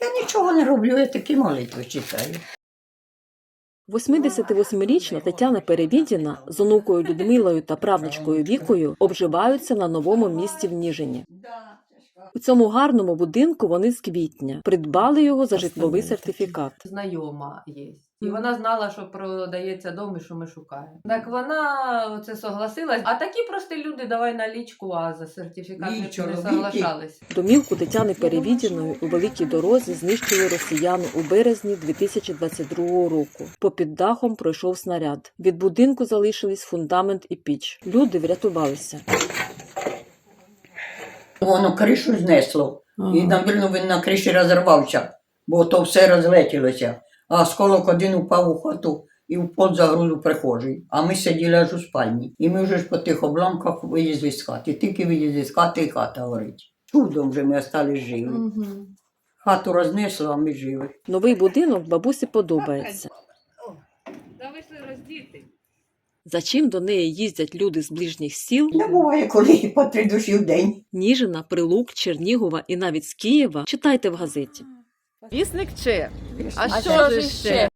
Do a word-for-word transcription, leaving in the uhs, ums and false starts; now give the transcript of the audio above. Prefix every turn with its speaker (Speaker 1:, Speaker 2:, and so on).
Speaker 1: Я нічого не роблю, я такі молитви читаю.
Speaker 2: восьмидесятивосьмирічна Тетяна Перевідіна з онукою Людмилою та правнучкою Вікою обживаються на новому місці в Ніжині. У цьому гарному будинку вони з квітня придбали його за житловий сертифікат.
Speaker 3: Знайома є. І вона знала, що продається дом і що ми шукаємо. Так вона це согласилась. А такі прості люди, давай налічку, а за сертифікат не, не соглашались.
Speaker 2: Домівку Тетяни Перевідіної у Великій Дорозі знищили росіяни у березні дві тисячі двадцять другого року. Попід дахом пройшов снаряд. Від будинку залишились фундамент і піч. Люди врятувалися.
Speaker 1: Воно кришу знесло. Ага. І, напевно, він на криші розірвався, бо то все розлетілося. А осколок один упав у хату і в пол загруз у прихожій. А ми сиділи аж у спальні. І ми вже ж по тих обламках виїзли з хати. Тільки виїзли з хати, і хата горить. Чудом вже ми остались живі. Угу. Хату рознесло, а ми живі.
Speaker 2: Новий будинок бабусі подобається.
Speaker 3: Та вийшли роздіти.
Speaker 2: За чим до неї їздять люди з ближніх сіл?
Speaker 1: Не буває, коли по три душі в день.
Speaker 2: Ніжина, Прилук, Чернігова і навіть з Києва читайте в газеті.
Speaker 4: Вісник Че. А,
Speaker 3: А
Speaker 4: що
Speaker 3: ж
Speaker 4: ж ще?